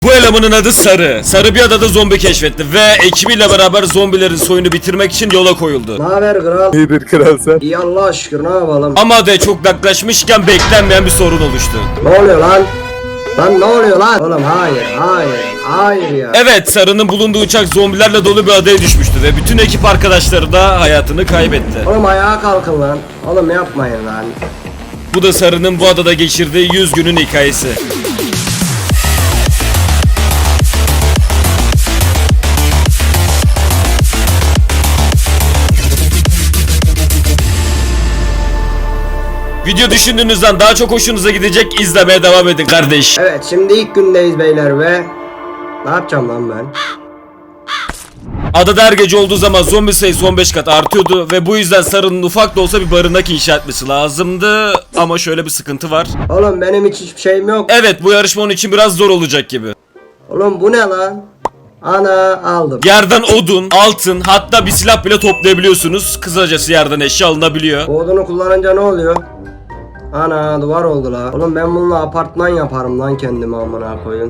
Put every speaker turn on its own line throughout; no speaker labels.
Bu elemanın adı Sarı. Sarı bir adada zombi keşfetti ve ekibiyle beraber zombilerin soyunu bitirmek için yola koyuldu.
Ne haber kral?
İyidir kral sen.
İyi Allah'a şükür, ne yapalım?
Ama adaya çok yaklaşmışken beklenmeyen bir sorun oluştu.
Ne oluyor lan? Lan ne oluyor lan? Oğlum hayır ya.
Evet, Sarı'nın bulunduğu uçak zombilerle dolu bir adaya düşmüştü ve bütün ekip arkadaşları da hayatını kaybetti.
Oğlum ayağa kalkın lan. Oğlum yapmayın lan.
Bu da Sarı'nın bu adada geçirdiği 100 günün hikayesi. Video düşündüğünüzden daha çok hoşunuza gidecek, izlemeye devam edin kardeş.
Evet, şimdi ilk gündeyiz beyler ve... Ne yapacağım lan ben?
Adada her gece olduğu zaman zombi sayısı 15 kat artıyordu ve bu yüzden Sarı'nın ufak da olsa bir barınak inşa etmesi lazımdı. Ama şöyle bir sıkıntı var.
Oğlum benim hiçbir şeyim yok.
Evet, bu yarışma onun için biraz zor olacak gibi.
Oğlum bu ne lan? Ana aldım.
Yerden odun, altın, hatta bir silah bile toplayabiliyorsunuz. Kısacası yerden eşya alınabiliyor.
Bu odunu kullanınca ne oluyor? Ana duvar oldu la. Oğlum ben bununla apartman yaparım lan kendime, amına koyun.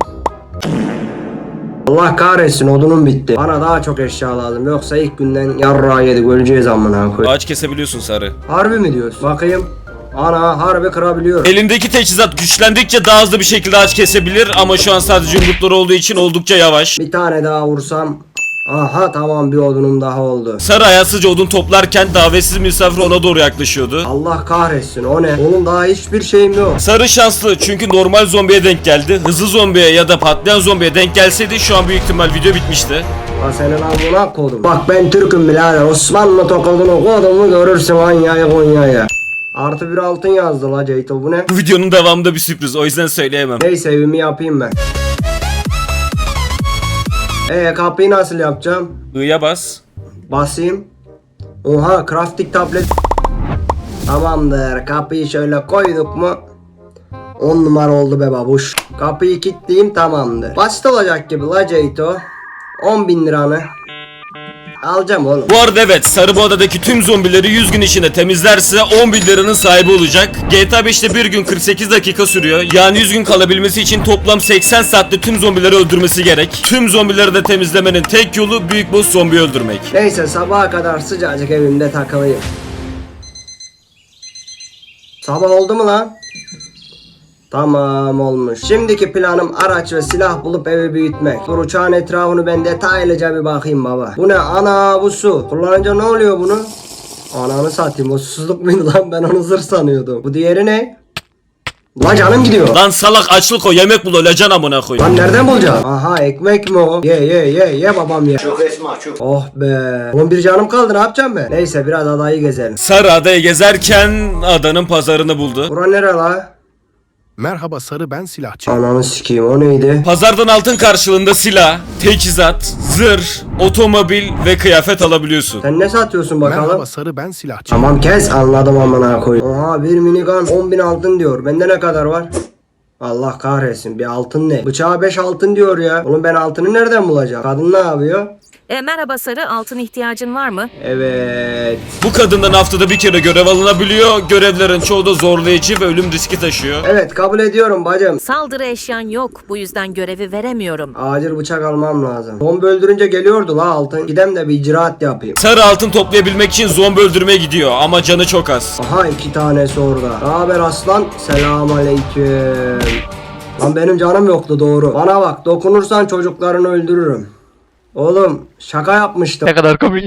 Allah kahretsin, odunum bitti. Bana daha çok eşya lazım, yoksa ilk günden yarrağı yedik, öleceğiz amına koyun.
Ağaç kesebiliyorsun Sarı.
Harbi mi diyorsun? Bakayım. Ana harbi kırabiliyorum.
Elindeki teçhizat güçlendikçe daha hızlı bir şekilde ağaç kesebilir ama şu an sadece yumrukları olduğu için oldukça yavaş.
Bir tane daha vursam. Aha tamam, bir odunum daha oldu.
Sarı ayaksızca odun toplarken davetsiz misafir ona doğru yaklaşıyordu.
Allah kahretsin, o ne? Oğlum daha hiçbir şeyim yok.
Sarı şanslı çünkü normal zombiye denk geldi. Hızlı zombiye ya da patlayan zombiye denk gelseydi şu an büyük ihtimal video bitmişti.
Ha senin amına kodum. Bak ben Türk'üm birader. Osmanlı tokadını kodumu görürsün Anya'yı Konya'ya. Artı bir altın yazdı la Ceyto, bu ne?
Bu videonun devamında bir sürpriz, o yüzden söyleyemem.
Neyse evimi yapayım ben. Kapıyı nasıl yapacağım?
I'ya bas.
Basayım. Oha, crafting tablet. Tamamdır, kapıyı şöyle koyduk mu 10 numara oldu be babuş. Kapıyı kilitleyeyim, tamamdır. Basit olacak gibi la Ceyto. 10.000 liranı alacağım oğlum.
Bu arada evet, Sarı bu adadaki tüm zombileri 100 gün içinde temizlerse 10 bin liranın sahibi olacak. GTA 5'te bir gün 48 dakika sürüyor. Yani 100 gün kalabilmesi için toplam 80 saatte tüm zombileri öldürmesi gerek. Tüm zombileri de temizlemenin tek yolu büyük boss zombi öldürmek.
Neyse sabaha kadar sıcacık evimde takılayım. Sabah oldu mu lan? Tamam, olmuş. Şimdiki planım araç ve silah bulup evi büyütmek. Dur, uçağın etrafını ben detaylıca bir bakayım baba. Bu ne? Ana bu su. Kullanınca ne oluyor bunu? Ananı satayım, o susuzluk muydu lan, ben onu zırh sanıyordum. Bu diğeri ne? La canım gidiyor.
Lan salak, açlık o, yemek bul, öleceksin amına koy.
Lan nereden bulacağım? Aha, ekmek mi o? Ye babam ye. Çok esma çok. Oh be. Oğlum bir canım kaldı, ne yapacağım ben? Neyse biraz adayı gezelim.
Sarı adayı gezerken adanın pazarını buldu.
Bura nere la?
Merhaba Sarı, ben silahçı.
Ananı sikeyim, o neydi?
Pazardan altın karşılığında silah, teçhizat, zırh, otomobil ve kıyafet alabiliyorsun.
Sen ne satıyorsun bakalım?
Merhaba Sarı, ben silahçı.
Tamam kes, anladım amına koyayım. Oha, bir minigun 10.000 altın diyor. Bende ne kadar var? Allah kahretsin, bir altın ne? Bıçağa 5 altın diyor ya. Oğlum ben altını nereden bulacağım? Kadın ne yapıyor?
Merhaba Sarı, altın ihtiyacın var mı?
Evet.
Bu kadından haftada bir kere görev alınabiliyor. Görevlerin çoğu da zorlayıcı ve ölüm riski taşıyor.
Evet, kabul ediyorum bacım.
Saldırı eşyan yok, bu yüzden görevi veremiyorum.
Acil bıçak almam lazım. Zombi öldürünce geliyordu la altın. Gidem de bir icraat yapayım.
Sarı altın toplayabilmek için zombi öldürmeye gidiyor ama canı çok az.
Aha, 2 tanesi orada. Ne haber aslan? Selamünaleyküm. Lan benim canım yoktu, doğru. Bana bak, dokunursan çocuklarını öldürürüm. Oğlum şaka yapmıştım.
Ne kadar komik.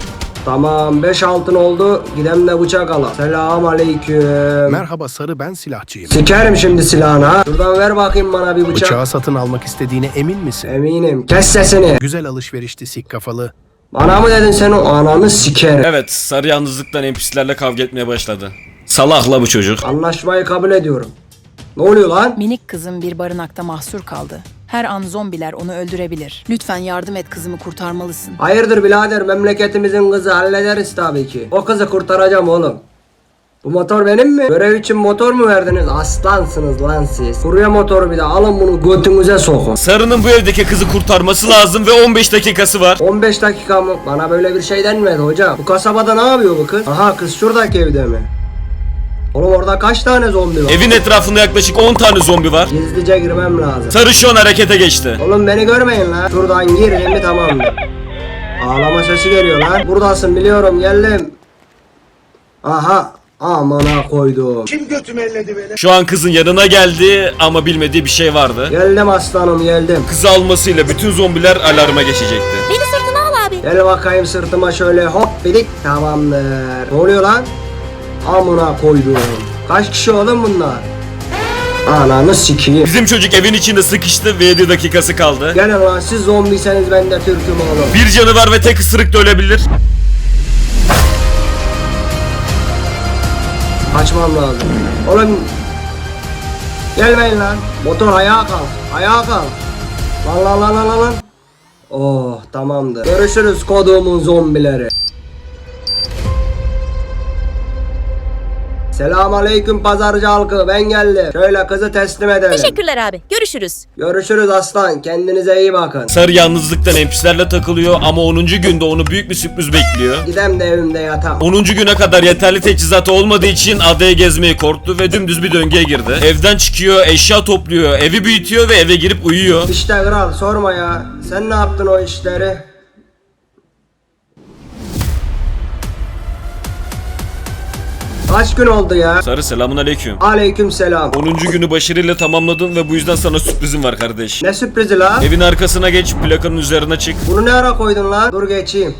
Tamam, 5 altın oldu. Gidem de bıçak ala. Selamünaleyküm.
Merhaba Sarı, ben silahçıyım.
Sikerim şimdi silahını ha. Şuradan ver bakayım bana bir bıçak.
Bıçağı satın almak istediğine emin misin?
Eminim. Kes sesini.
Güzel alışverişti sik kafalı.
Bana mı dedin sen, o ananı sikerim.
Evet, Sarı yalnızlıktan NPC'lerle kavga etmeye başladı. Salakla bu çocuk.
Anlaşmayı kabul ediyorum. Ne oluyor lan?
Minik kızım bir barınakta mahsur kaldı. Her an zombiler onu öldürebilir. Lütfen yardım et, kızımı kurtarmalısın.
Hayırdır birader, memleketimizin kızı, hallederiz tabii ki. O kızı kurtaracağım oğlum. Bu motor benim mi? Görev için motor mu verdiniz? Aslansınız lan siz. Kurye motoru, bir de alın bunu götünüze sokun.
Sarı'nın bu evdeki kızı kurtarması lazım ve 15 dakikası var.
15 dakika mı? Bana böyle bir şey denmedi hocam. Bu kasabada ne yapıyor bu kız? Aha, kız şuradaki evde mi? Oğlum orada kaç tane zombi var?
Evin etrafında yaklaşık 10 tane zombi var.
Gizlice girmem lazım.
Sarı şu an harekete geçti.
Oğlum beni görmeyin lan. Şuradan girdim mi tamamdır. Ağlama sesi geliyor lan. Buradasın biliyorum geldim. Aha. Amına koydum.
Şu an kızın yanına geldi ama bilmediği bir şey vardı.
Geldim aslanım geldim.
Kızı almasıyla bütün zombiler alarma geçecekti.
Beni sırtına al abi.
Gel bakayım sırtıma şöyle hop bidik. Tamamdır. Ne oluyor lan? Amına koydum. Kaç kişi oğlum bunlar? Ananı sikeyim.
Bizim çocuk evin içinde sıkıştı ve 7 dakikası kaldı.
Gelin lan siz zombiyseniz ben de Türk'üm oğlum.
Bir canı var ve tek ısırıkta ölebilir.
Kaçmam lazım. Oğlum. Gelmeyin lan. Motor ayağa kalk. Ayağa kalk. Lan. Oh tamamdır. Görüşürüz koduğumun zombileri. Selamünaleyküm pazarcı halkı ben geldim. Şöyle kızı teslim edelim.
Teşekkürler abi. Görüşürüz.
Görüşürüz aslan kendinize iyi bakın.
Sarı yalnızlıktan NPC'lerle takılıyor ama 10. günde onu büyük bir sürpriz bekliyor.
Gidem de evimde yatam.
10. güne kadar yeterli teçhizatı olmadığı için adaya gezmeyi korktu ve dümdüz bir döngüye girdi. Evden çıkıyor, eşya topluyor, evi büyütüyor ve eve girip uyuyor.
İşte kral sorma ya. Sen ne yaptın o işleri? Kaç gün oldu ya?
Sarı selamun aleyküm.
Aleyküm selam.
10. günü başarıyla tamamladın ve bu yüzden sana sürprizim var kardeş.
Ne sürprizi la?
Evin arkasına geç, plakanın üzerine çık.
Bunu ne ara koydun lan? Dur geçeyim.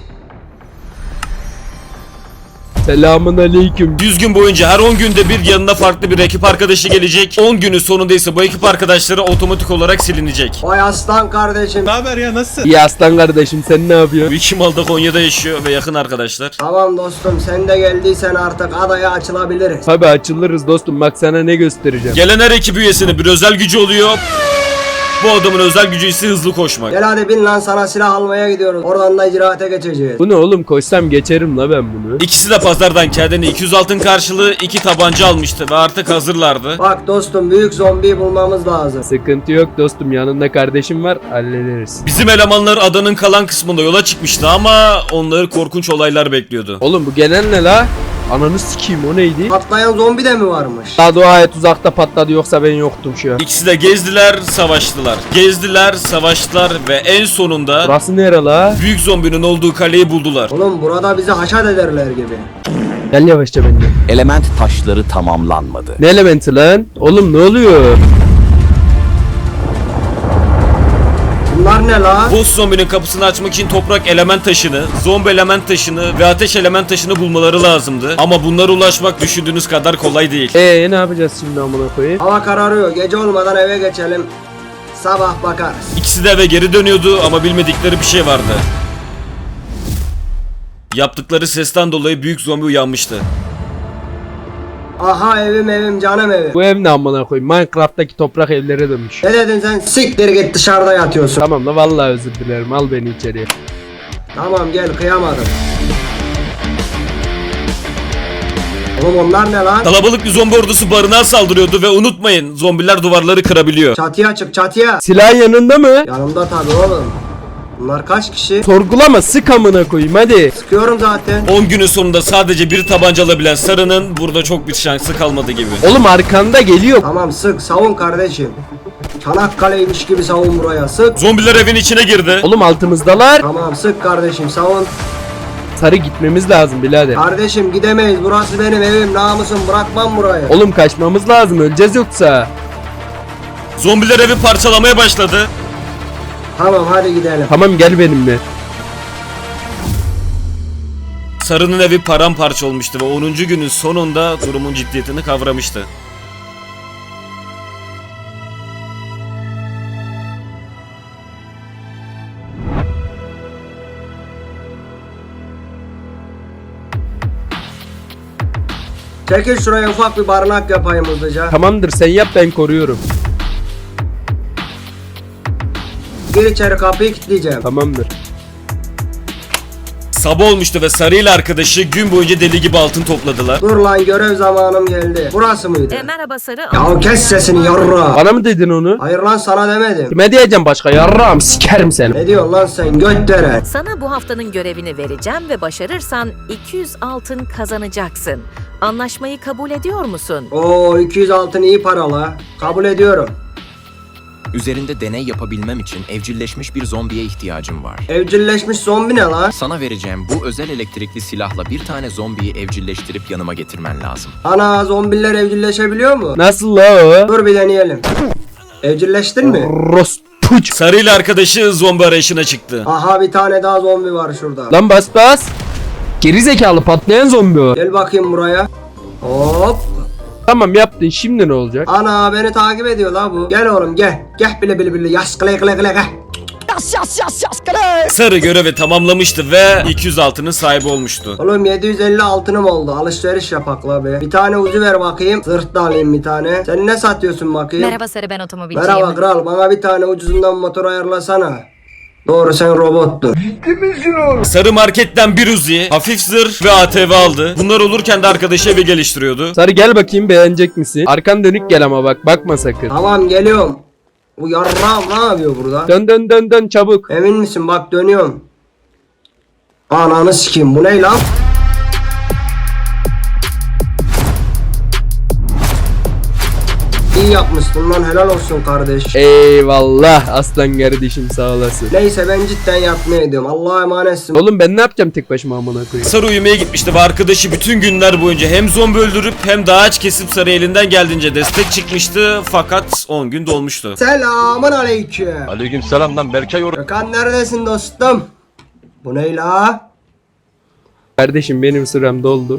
Selamun aleyküm.
100 gün boyunca her 10 günde bir yanına farklı bir ekip arkadaşı gelecek. 10 günün sonunda ise bu ekip arkadaşları otomatik olarak silinecek.
Vay aslan kardeşim.
İyi aslan kardeşim, sen ne yapıyorsun?
Bu iki mal da Konya'da yaşıyor ve yakın arkadaşlar.
Tamam dostum sen de geldiysen artık adaya açılabiliriz.
Tabi açılırız dostum, bak sana ne göstereceğim.
Gelen her ekip üyesinin bir özel gücü oluyor. Bu adamın özel gücü ise hızlı koşmak.
Gel hadi bin lan sana silah almaya gidiyoruz. Oradan da icraate geçeceğiz.
Bu ne oğlum, koşsam geçerim la ben bunu.
İkisi de pazardan kendine 200 altın karşılığı 2 tabanca almıştı ve artık hazırlardı.
Bak dostum büyük zombiyi bulmamız lazım.
Sıkıntı yok dostum, yanında kardeşim var, hallederiz.
Bizim elemanlar adanın kalan kısmında yola çıkmıştı ama onları korkunç olaylar bekliyordu.
Oğlum bu gelen ne la? Ananı sikeyim, o neydi?
Patlayan zombi de mi varmış?
Daha dua et uzakta patladı, yoksa ben yoktum şu an.
İkisi de gezdiler, savaştılar. Gezdiler, savaştılar ve en sonunda
Burası nere la?
büyük zombinin olduğu kaleyi buldular.
Oğlum burada bizi haşat ederler gibi.
Gel yavaşça bende.
Element taşları tamamlanmadı.
Ne elementi lan? Oğlum ne oluyor?
Bunlar ne la?
Boss zombinin kapısını açmak için toprak element taşını, zombi element taşını ve ateş element taşını bulmaları lazımdı. Ama bunlara ulaşmak düşündüğünüz kadar kolay değil.
Ne yapacağız şimdi amına koyayım?
Hava kararıyor. Gece olmadan eve geçelim. Sabah bakarız.
İkisi de eve geri dönüyordu ama bilmedikleri bir şey vardı. Yaptıkları sesten dolayı büyük zombi uyanmıştı.
Aha evim canım evim.
Bu ev ne amına koyayım? Minecraft'taki toprak evlere dönmüş.
Ne dedin sen? Siktir git dışarıda yatıyorsun.
Tamam la vallahi özür dilerim, al beni içeriye.
Tamam gel kıyamadım. Oğlum onlar ne lan?
Kalabalık bir zombi ordusu barınağa saldırıyordu ve unutmayın zombiler duvarları kırabiliyor.
Çatıya çık çatıya.
Silahın yanında mı?
Yanımda tabii oğlum. Bunlar kaç kişi?
Sorgulama, sık amına koyayım hadi.
Sıkıyorum zaten.
10 günün sonunda sadece bir tabanca alabilen Sarı'nın burada çok bir şansı kalmadı gibi.
Oğlum arkanda geliyor.
Tamam sık savun kardeşim. Çanakkale'ymiş gibi savun buraya sık.
Zombiler evin içine girdi.
Oğlum altımızdalar.
Tamam sık kardeşim savun.
Sarı gitmemiz lazım birader.
Kardeşim gidemeyiz burası benim evim namusum bırakmam burayı.
Oğlum kaçmamız lazım, öleceğiz yoksa.
Zombiler evi parçalamaya başladı.
Tamam hadi gidelim.
Tamam gel benimle.
Sarı'nın evi paramparça olmuştu ve 10. günün sonunda durumun ciddiyetini kavramıştı.
Çekil şuraya ufak bir barınak yapayım hızlıca.
Tamamdır, sen yap, ben koruyorum.
Gir içeri kapıyı kilitleyeceğim.
Tamamdır.
Sabah olmuştu ve Sarı ile arkadaşı gün boyunca deli gibi altın topladılar.
Dur lan, görev zamanım geldi. Burası mıydı?
Merhaba Sarı.
Ya kes sesini yarra.
Bana mı dedin onu?
Hayır lan, sana demedim.
Kime diyeceğim başka? Yarrağım sikerim seni.
Ne diyorsun lan sen götlere?
Sana bu haftanın görevini vereceğim ve başarırsan 200 altın kazanacaksın. Anlaşmayı kabul ediyor musun?
Oo, 200 altın iyi para la. Kabul ediyorum.
Üzerinde deney yapabilmem için evcilleşmiş bir zombiye ihtiyacım var.
Evcilleşmiş zombi ne lan?
Sana vereceğim bu özel elektrikli silahla bir tane zombiyi evcilleştirip yanıma getirmen lazım.
Ana, zombiler evcilleşebiliyor mu?
Nasıl la o?
Dur bir deneyelim. Evcilleştin mi?
Rospuç.
Sarı ile arkadaşı zombi arayışına çıktı.
Aha, bir tane daha zombi var şurada.
Lan bas bas. Geri zekalı patlayan zombi o.
Gel bakayım buraya. Hop.
Tamam yaptın, şimdi ne olacak?
Ana, beni takip ediyor la bu. Gel oğlum gel. Gel bile bile bile. Yaş kıle kıle kıle gel.
Sarı görevi tamamlamıştı ve 200 altının sahibi olmuştu.
Oğlum 750 altınım oldu. Alışveriş yapak la be. Bir tane ucu ver bakayım. Zırt da alayım bir tane. Sen ne satıyorsun bakayım?
Merhaba Sarı, ben otomobilciyim.
Merhaba kral. Bana bir tane ucuzundan motor ayarlasana. Doğru, sen robottun.
Sarı marketten bir Uzi, hafif zırh ve ATV aldı. Bunlar olurken de arkadaşı evi geliştiriyordu.
Sarı gel bakayım, beğenecek misin? Arkan dönük gel ama bak, bakma sakın.
Tamam, geliyorum. Bu yarrağım ne yapıyor burada?
Dön dön dön dön çabuk.
Emin misin? Bak dönüyorum. Ananı sikeyim, bu ne lan? İyi yapmışsın lan, helal olsun kardeş.
Eyvallah aslan kardeşim, sağ olasın.
Neyse, ben cidden yapmaya ediyorum. Allah'a emanetsin.
Oğlum ben ne yapacağım tek başıma amına koyayım?
Sarı uyumaya gitmişti ve arkadaşı bütün günler boyunca hem zombi öldürüp hem de ağaç kesip Sarı elinden geldiğince destek çıkmıştı, fakat 10 gün dolmuştu.
Selamun aleyküm.
Aleykümselam lan Berkay
Gökhan neredesin dostum? Bu ne la?
Kardeşim benim sürem doldu.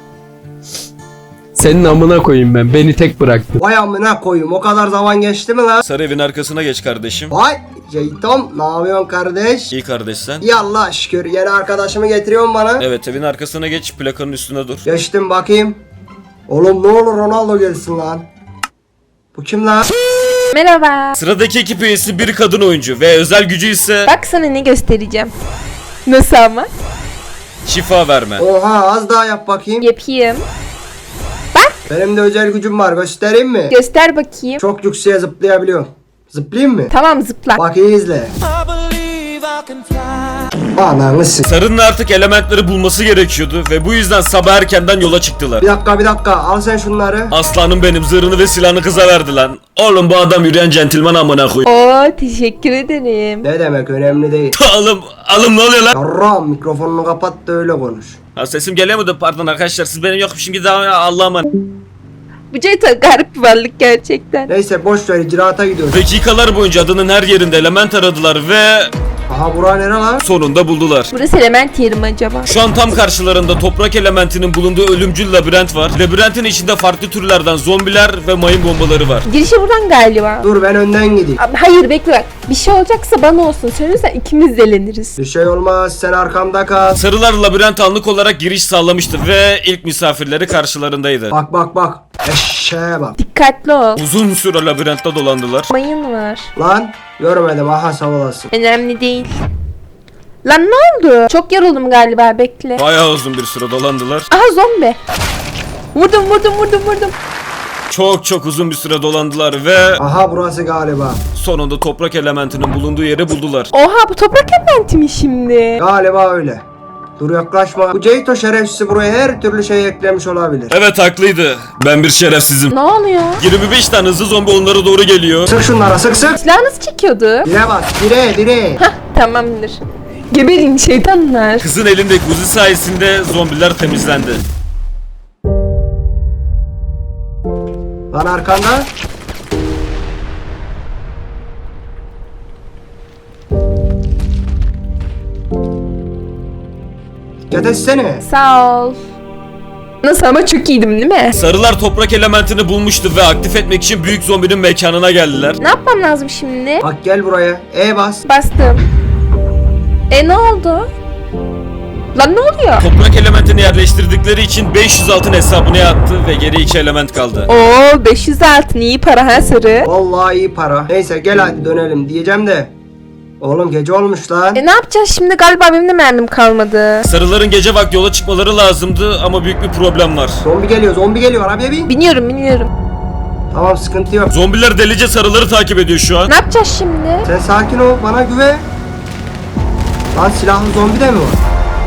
Senin amına koyayım ben. Beni tek bıraktın.
Vay amına koyayım, o kadar zaman geçti mi lan?
Sarı evin arkasına geç kardeşim.
Vay Jeytom, ne yapıyorsun kardeş?
İyi kardeş sen.
İyi Allah şükür, yeni arkadaşımı getiriyorsun bana.
Evet, evin arkasına geç, plakanın üstüne dur.
Geçtim bakayım. Oğlum ne olur Ronaldo gelsin lan. Bu kim lan?
Merhaba.
Sıradaki ekip üyesi bir kadın oyuncu ve özel gücü ise
Bak sana ne göstereceğim. Nasıl ama?
şifa verme.
Oha, az daha yap bakayım.
Yapayım.
Benim de özel gücüm var, göstereyim mi?
Göster bakayım.
Çok yükseğe zıplayabiliyorum. Zıplayayım mı?
Tamam zıpla.
Bak iyi izle. Ananı s***.
Sarı'nın artık elementleri bulması gerekiyordu ve bu yüzden sabah erkenden yola çıktılar.
Bir dakika, al sen şunları.
Aslanım benim, zırhını ve silahını kıza verdi lan. Oğlum bu adam yürüyen centilmen amına koy.
Oo teşekkür ederim.
Ne demek, önemli değil.
Alım ne oluyor lan?
Yarram, mikrofonunu kapat da öyle konuş.
Ha, sesim geliyor mu da, pardon arkadaşlar, siz benim yokmuşum gibi daha Allah'a emanet.
Bu Ceyta garip bir varlık gerçekten.
Neyse boş ver, icraata gidiyoruz.
Dakikalar boyunca adanın her yerinde element aradılar ve
Aha, bura nere lan?
sonunda buldular.
Burası element yeri mi acaba?
Şu an tam karşılarında toprak elementinin bulunduğu ölümcül labirent var. Labirentin içinde farklı türlerden zombiler ve mayın bombaları var.
Girişi buradan galiba.
Dur, ben önden gideyim.
Abi, hayır bekle bak. Bir şey olacaksa bana olsun. Söylersen ikimiz deleniriz.
Bir şey olmaz, sen arkamda kal.
Sarılar labirent anlık olarak giriş sağlamıştı ve ilk misafirleri karşılarındaydı.
Bak. Eşeğe bak.
Dikkatli ol.
Uzun süre labirentte dolandılar.
Mayın var.
Lan görmedim, aha sağ olasın.
Önemli değil. Lan ne oldu? Çok yoruldum galiba, bekle.
Bayağı uzun bir süre dolandılar.
Aha zombi. Vurdum.
Çok uzun bir süre dolandılar ve
Aha, burası galiba.
sonunda toprak elementinin bulunduğu yeri buldular.
Oha bu toprak elementi mi şimdi?
Galiba öyle. Dur yaklaşma. Bu Ceyto şerefsizi buraya her türlü şey eklemiş olabilir.
Evet, haklıydı. Ben bir şerefsizim.
Ne oluyor?
25 tane hızlı zombi onlara doğru geliyor.
Sık şunlara, sık.
Silah nasıl çekiyordu?
Dire bas, dire.
Hah tamamdır. Geberin şeytanlar.
Kızın elindeki Uzi sayesinde zombiler temizlendi.
Lan arkanda. Dikkat etsene.
Sağ ol. Nasıl ama çok iyiydim değil mi?
Sarılar toprak elementini bulmuştu ve aktif etmek için büyük zombinin mekanına geldiler.
Ne yapmam lazım şimdi?
Bak gel buraya. Bas.
Bastım. Ne oldu? Lan ne oluyor?
Toprak elementini yerleştirdikleri için 500 altın hesabına yattı ve geri 2 element kaldı.
Oo 500 altın iyi para ha Sarı.
Vallahi iyi para. Neyse gel hadi dönelim diyeceğim de. Oğlum gece olmuş lan.
Ne yapacağız şimdi? Galiba benim de mermim kalmadı.
Sarıların gece vakti yola çıkmaları lazımdı ama büyük bir problem var.
Zombi geliyor arabaya bin.
Biniyorum.
Tamam sıkıntı yok.
Zombiler delice sarıları takip ediyor şu an.
Ne yapacağız şimdi?
Sen sakin ol bana güven. Lan silahlı zombi de mi var?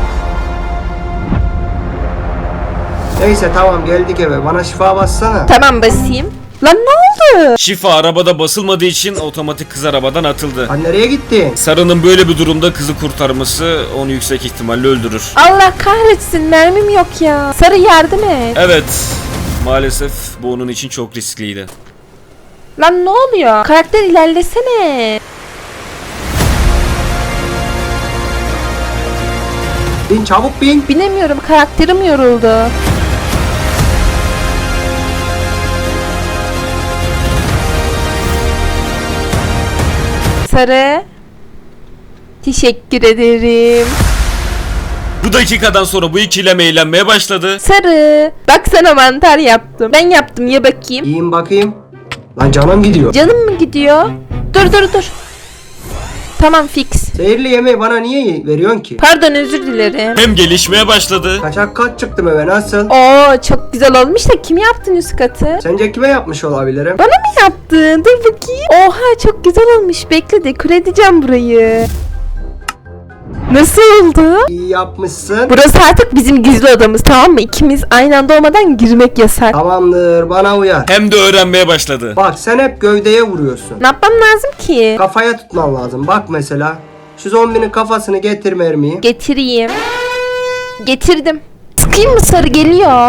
Neyse tamam geldik eve. Bana şifa bassana.
Tamam basayım. Lan ne oldu?
Şifa arabada basılmadığı için otomatik kız arabadan atıldı.
Lan nereye gittin?
Sarı'nın böyle bir durumda kızı kurtarması onu yüksek ihtimalle öldürür.
Allah kahretsin mermim yok ya. Sarı yardım et.
Evet, maalesef bu onun için çok riskliydi.
Lan ne oluyor? Karakter ilerlesene.
Bin çabuk bin.
Binemiyorum karakterim yoruldu. Sarı. Teşekkür ederim.
Bu dakikadan sonra bu ikilem eğlenmeye başladı.
Sarı. Bak sana mantar yaptım. Ben yaptım ye bakayım.
Yiyin bakayım. Lan canım gidiyor.
Canım mı gidiyor? Dur. Tamam fix.
Zehirli yemeği bana niye veriyorsun ki?
Pardon özür dilerim.
Hem gelişmeye başladı.
Kaçak kat çıktım eve nasıl?
Oo çok güzel olmuş da kim yaptın üst katı?
Sence kime yapmış olabilirim?
Bana mı yaptın? Dur bakayım. Oha çok güzel olmuş. Bekle dekore edeceğim burayı. Nasıl oldu?
İyi yapmışsın.
Burası artık bizim gizli odamız tamam mı? İkimiz aynı anda olmadan girmek yasak.
Tamamdır bana uyar.
Hem de öğrenmeye başladı.
Bak sen hep gövdeye vuruyorsun.
Ne yapmam lazım ki?
Kafaya tutman lazım. Bak mesela. Şu zombinin kafasını getir mermiyi.
Getireyim. Getirdim. Sıkayım mı sarı geliyor?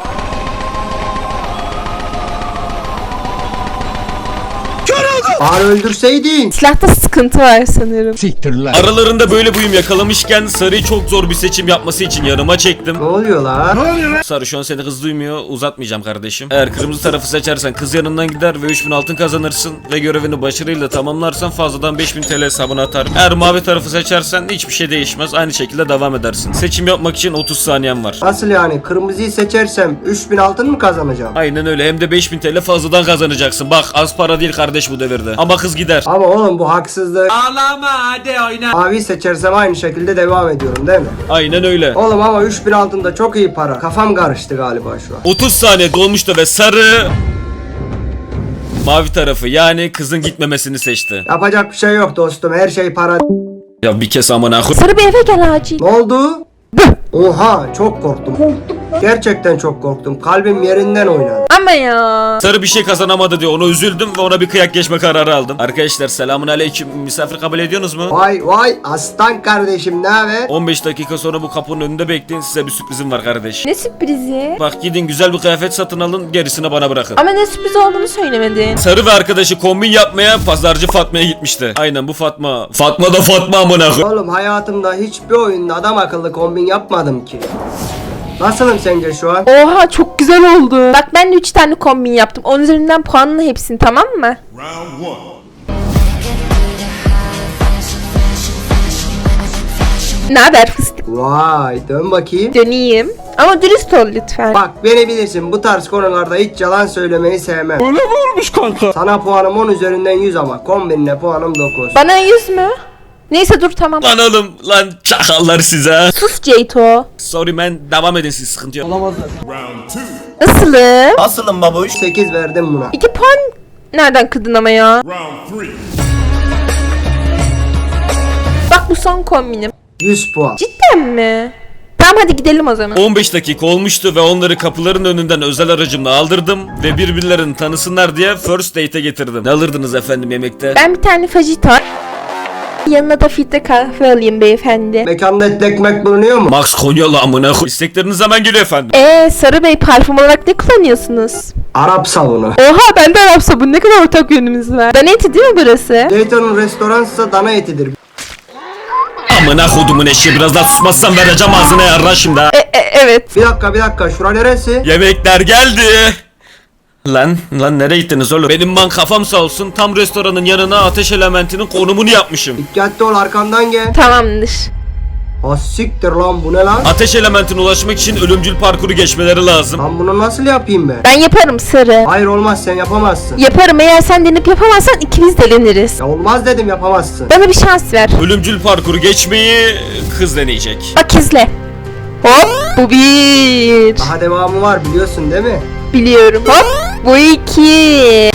Bari öldürseydin.
Silahta sıkıntı var sanırım.
Aralarında böyle bir uyum yakalamışken Sarı'yı çok zor bir seçim yapması için yanıma çektim.
Ne oluyor lan?
Sarı şu an seni kız duymuyor. Uzatmayacağım kardeşim. Eğer kırmızı tarafı seçersen kız yanından gider ve 3000 altın kazanırsın. Ve görevini başarıyla tamamlarsan fazladan 5000 TL hesabına atarım. Eğer mavi tarafı seçersen hiçbir şey değişmez. Aynı şekilde devam edersin. Seçim yapmak için 30 saniyen var.
Nasıl yani? Kırmızıyı seçersem 3000 altın mı kazanacağım?
Aynen öyle. Hem de 5000 TL fazladan kazanacaksın. Bak az para değil kardeş bu devirde. Ama kız gider.
Ama oğlum bu haksızlık. Ağlama hadi oyna. Mavi seçersem aynı şekilde devam ediyorum değil mi?
Aynen öyle.
Oğlum ama 3000 altında çok iyi para. Kafam karıştı galiba şu an.
30 saniye dolmuştu ve Sarı mavi tarafı yani kızın gitmemesini seçti.
Yapacak bir şey yok dostum. Her şey para.
Ya bir kez amına koy.
Sarı bir eve gel acil.
Ne oldu? Oha çok korktum. Gerçekten çok korktum. Kalbim yerinden oynadı.
Ama ya.
Sarı bir şey kazanamadı diye ona üzüldüm ve ona bir kıyak geçme kararı aldım. Arkadaşlar selamun aleyküm. Misafir kabul ediyorsunuz mu?
Vay aslan kardeşim ne haber?
15 dakika sonra bu kapının önünde bekleyin, size bir sürprizim var kardeş.
Ne sürprizi?
Bak gidin güzel bir kıyafet satın alın, gerisini bana bırakın.
Ama ne sürpriz olduğunu söylemedin.
Sarı ve arkadaşı kombin yapmaya pazarcı Fatma'ya gitmişti. Aynen bu Fatma. Fatma da Fatma amına koy.
Oğlum hayatımda hiçbir oyunda adam akıllı kombin yapmadım ki. Nasılım sence şu an?
Oha çok güzel oldu. Bak ben de 3 tane kombin yaptım. 10 üzerinden puanla hepsini tamam mı? Ne haber fıstık?
Vay dön bakayım.
Döneyim. Ama dürüst ol lütfen.
Bak beni bilirsin bu tarz konularda hiç yalan söylemeyi sevmem. Öyle mi olmuş kanka? Sana puanım 10 üzerinden 100 ama kombinle puanım 9.
Bana 100 mü? Neyse dur tamam.
Lan oğlum lan çakallar size.
Sus Ceyto.
Sorry man, devam edin siz, sıkıntı yok.
Nasılım?
8 verdim buna.
2 puan nereden kırdın ama ya? Bak bu son kombinim.
100 puan.
Cidden mi? Tamam hadi gidelim o zaman.
15 dakika olmuştu ve onları kapıların önünden özel aracımla aldırdım ve birbirlerini tanısınlar diye first date'e getirdim. Ne alırdınız efendim yemekte?
Ben bir tane fajita. Yanına da filtre kahve alayım beyefendi.
Mekanda etli ekmek bulunuyor mu?
Max Konyalı amına koy. İstekleriniz hemen geliyor efendim.
Sarı Bey parfüm olarak ne kullanıyorsunuz?
Arap sabunu.
Oha bende Arap sabunu ne kadar ortak yönümüz var. Dana eti değil mi burası?
Dayton'un restoransa dana etidir.
Amına kodumun eşeği, biraz daha susmazsan vereceğim ağzına yarra şimdi ha.
Evet.
Bir dakika şura neresi?
Yemekler geldi. Lan nereye gittiniz oğlum? Benim man kafam sağ olsun, tam restoranın yanına ateş elementinin konumunu yapmışım.
Dikkatli ol arkandan gel.
Tamamdır.
Ha siktir lan, bu ne lan?
Ateş elementine ulaşmak için ölümcül parkuru geçmeleri lazım.
Lan bunu nasıl yapayım ben?
Ben yaparım Sarı.
Hayır olmaz, sen yapamazsın.
Yaparım, eğer sen denip yapamazsan ikimiz deleniriz.
Ya olmaz dedim, yapamazsın.
Bana bir şans ver.
Ölümcül parkuru geçmeyi kız deneyecek.
Bak izle. Hop bu bir.
Daha devamı var, biliyorsun değil mi?
Biliyorum. Hop bu iki.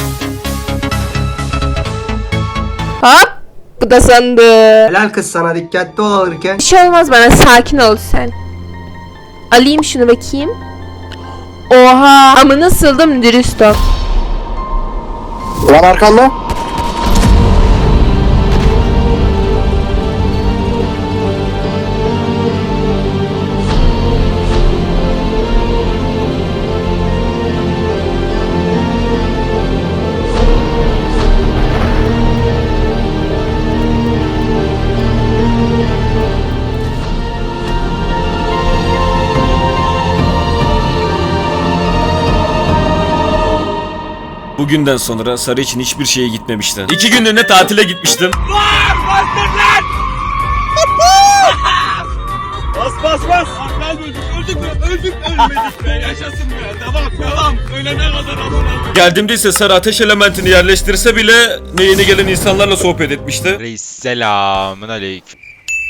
Hop bu da sandı.
Helal kız sana, dikkatli ol alırken.
Bir şey olmaz bana, sakin ol sen. Alayım şunu bakayım. Oha ama nasıldım, dürüst ol.
Lan arkanda.
Bugünden sonra Sarı için hiçbir şeye gitmemişti. 2 günlüğüne tatile gitmiştim. Geldiğimde ise Sarı ateş elementini yerleştirse bile ne yeni gelen insanlarla sohbet etmişti.
Reis selamun aleyküm.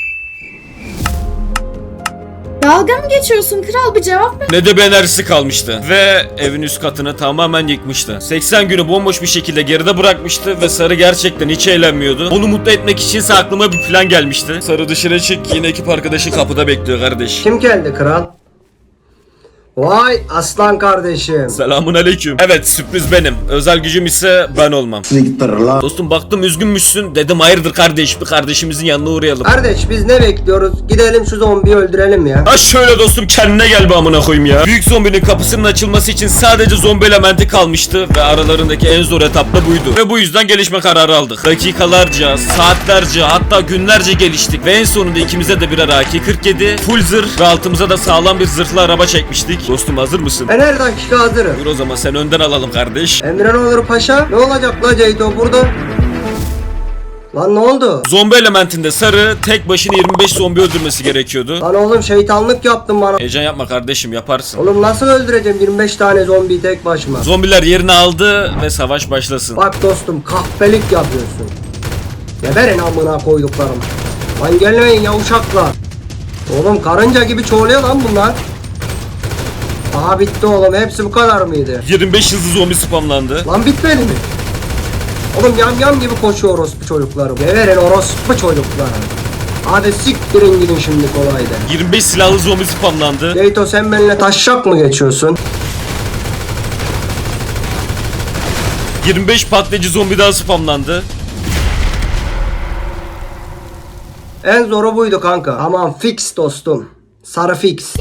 Dalga mı geçiyorsun kral, bir cevap ver.
Ne de bir enerjisi kalmıştı. Ve evin üst katını tamamen yıkmıştı. 80 günü bomboş bir şekilde geride bırakmıştı ve Sarı gerçekten hiç eğlenmiyordu. Onu mutlu etmek içinse aklıma bir plan gelmişti. Sarı dışarı çık, yine ekip arkadaşı kapıda bekliyor kardeş.
Kim geldi kral? Vay aslan kardeşim.
Selamun aleyküm. Evet, sürpriz benim. Özel gücüm ise ben olmam. Dostum baktım üzgünmüşsün. Dedim hayırdır kardeş, bir kardeşimizin yanına uğrayalım.
Kardeş biz ne bekliyoruz? Gidelim şu zombiyi öldürelim ya.
Ha şöyle dostum, kendine gel be amına koyayım ya. Büyük zombinin kapısının açılması için sadece zombi elementi kalmıştı ve aralarındaki en zor etap da buydu. Ve bu yüzden gelişme kararı aldık. Dakikalarca, saatlerce, hatta günlerce geliştik ve en sonunda ikimize de birer AK-47, full zırh ve altımıza da sağlam bir zırhlı araba çekmiştik. Dostum hazır mısın?
Ben her dakika hazırım.
Dur o zaman sen önden alalım kardeş.
Emre ne olur paşa? Ne olacak la Ceyto burada? Lan ne oldu?
Zombi elementinde Sarı tek başına 25 zombi öldürmesi gerekiyordu.
Lan oğlum şeytanlık yaptın bana.
Heyecan yapma kardeşim, yaparsın.
Oğlum nasıl öldüreceğim 25 tane zombiyi tek başıma?
Zombiler yerini aldı ve savaş başlasın.
Bak dostum, kahpelik yapıyorsun. Geberin amına koyduklarım. Lan gelmeyin ya uşaklar. Oğlum karınca gibi çoğuluyor lan bunlar. Aha bitti oğlum, hepsi bu kadar mıydı?
25 hızlı zombi spamlandı.
Lan bitmedi mi? Oğlum yam gibi koşuyor orospu çocuklarım. Geberin orospu çocuklarım. Hadi siktirin gidin şimdi kolaydı.
25 silahlı zombi spamlandı.
Ceyto sen benimle taşşak mı geçiyorsun?
25 patlayıcı zombi daha spamlandı.
En zoru buydu kanka. Aman fix dostum. Sarı fix.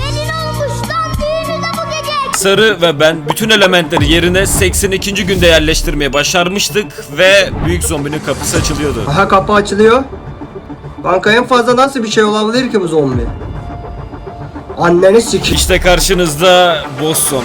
Sarı ve ben bütün elementleri yerine 82. günde yerleştirmeye başarmıştık ve büyük zombinin kapısı açılıyordu.
Aha kapı açılıyor. Kanka en fazla nasıl bir şey olabilir ki bu zombi? Anneni sik.
İşte karşınızda boss zombi.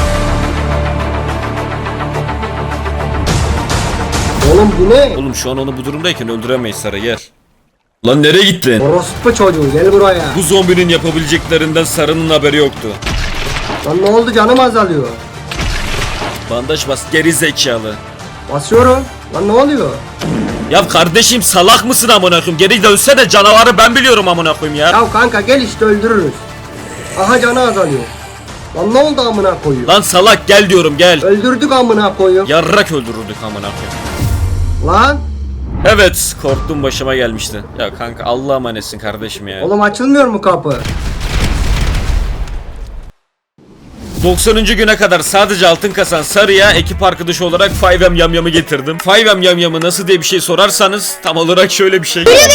Oğlum bu ne?
Oğlum şu an onu bu durumdayken öldüremeyiz Sarı, gel. Lan nereye gittin?
Orospu çocuğu gel buraya.
Bu zombinin yapabileceklerinden Sarı'nın haberi yoktu.
Lan ne oldu, canım azalıyor.
Bandaj bas geri zekalı.
Basıyorum. Lan ne oluyor?
Ya kardeşim salak mısın amına koyayım? Geri dönse de canavarı ben biliyorum amına koyayım ya.
Ya kanka gel işte öldürürüz. Aha canı azalıyor. Lan ne oldu amına koyuyor?
Lan salak gel diyorum, gel.
Öldürdük amına koyuyor.
Yarrak öldürürdük amına koyayım.
Lan.
Evet, korktum başıma gelmişti. Ya kanka Allah'a emanetsin kardeşim ya.
Oğlum açılmıyor mu kapı?
90. güne kadar sadece altın kasan Sarı'ya ekip arkadaşı olarak 5M Yamyam'ı getirdim. 5M Yamyam'ı nasıl diye bir şey sorarsanız tam olarak şöyle bir şey.
Geliyor.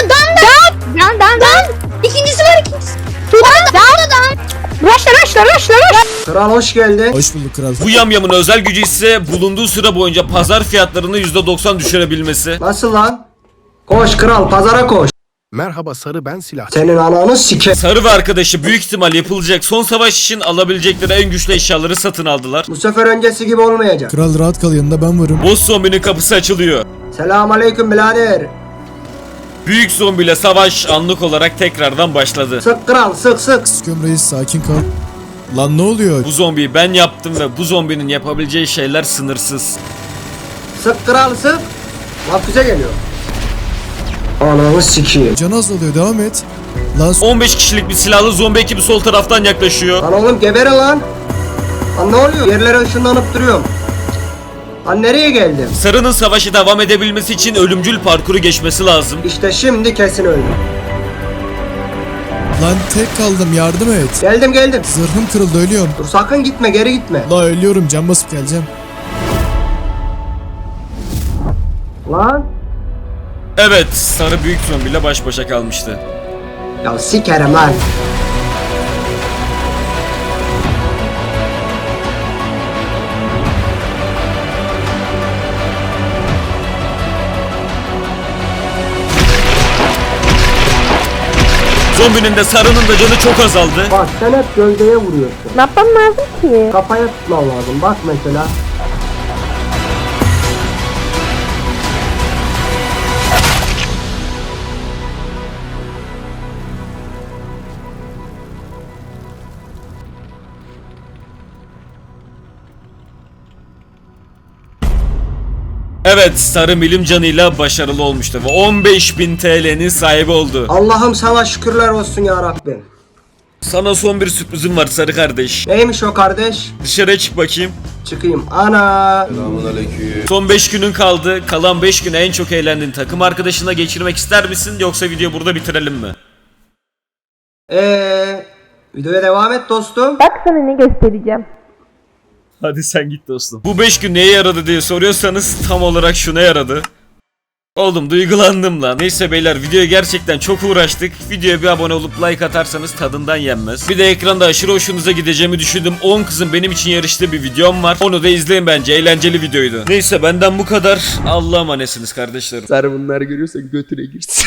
Dan. İkincisi var. Dan. Raşla.
Kral hoş geldin.
Hoş bulduk kral.
Bu Yamyam'ın özel gücü ise bulunduğu süre boyunca pazar fiyatlarını %90 düşürebilmesi.
Nasıl lan? Koş kral, pazara koş.
Merhaba Sarı, ben silahçı.
Senin ananı sike.
Sarı ve arkadaşı büyük ihtimal yapılacak son savaş için alabilecekleri en güçlü eşyaları satın aldılar.
Bu sefer öncesi gibi olmayacak.
Kral rahat kal, yanında ben varım.
Boss zombinin kapısı açılıyor.
Selamünaleyküm birader.
Büyük zombiyle savaş anlık olarak tekrardan başladı.
Sık kral sık sık.
Sıkıyorum reis sakin kal. Lan ne oluyor?
Bu zombiyi ben yaptım ve bu zombinin yapabileceği şeyler sınırsız.
Sık kral sık. Lan füze geliyor. Ananı sikeyim.
Can azalıyor devam et. Lan
15 kişilik bir silahlı zombi ekibi sol taraftan yaklaşıyor.
Lan oğlum geberin lan. Lan ne oluyor? Yerlere ışınlanıp duruyorum. Lan nereye geldim?
Sarı'nın savaşı devam edebilmesi için ölümcül parkuru geçmesi lazım.
İşte şimdi kesin öldüm.
lan tek kaldım yardım et.
Geldim.
Zırhım kırıldı ölüyorum.
Dur sakın gitme geri gitme.
La ölüyorum can basıp geleceğim.
Lan.
Evet, Sarı büyük zombiyle baş başa kalmıştı.
Ya sikerim lan.
Zombinin de Sarı'nın da canı çok azaldı.
Bak sen hep gövdeye vuruyorsun.
Ne yapmam lazım ki?
Kafaya tutman lazım. Bak mesela.
Evet, Sarı milim canıyla başarılı olmuştu ve 15.000 TL'nin sahibi oldu.
Allah'ım sana şükürler olsun ya Rabbim.
Sana son bir sürprizim var Sarı kardeş.
Neymiş o kardeş?
Dışarıya çık bakayım.
Çıkayım. Ana.
Son 5 günün kaldı. Kalan 5 günü en çok eğlendiğin takım arkadaşına geçirmek ister misin yoksa video burada bitirelim mi?
Videoya devam et dostum.
Bak sana ne göstereceğim.
Hadi sen git dostum. Bu 5 gün neye yaradı diye soruyorsanız tam olarak şuna yaradı. Oğlum duygulandım lan. Neyse beyler videoya gerçekten çok uğraştık. Videoya bir abone olup like atarsanız tadından yenmez. Bir de ekranda aşırı hoşunuza gideceğimi düşündüm. 10 kızın benim için yarıştığı bir videom var. Onu da izleyin bence. Eğlenceli videoydu. Neyse benden bu kadar. Allah'a emanetsiniz kardeşlerim.
Sarı bunlar görüyorsa götüne girsin.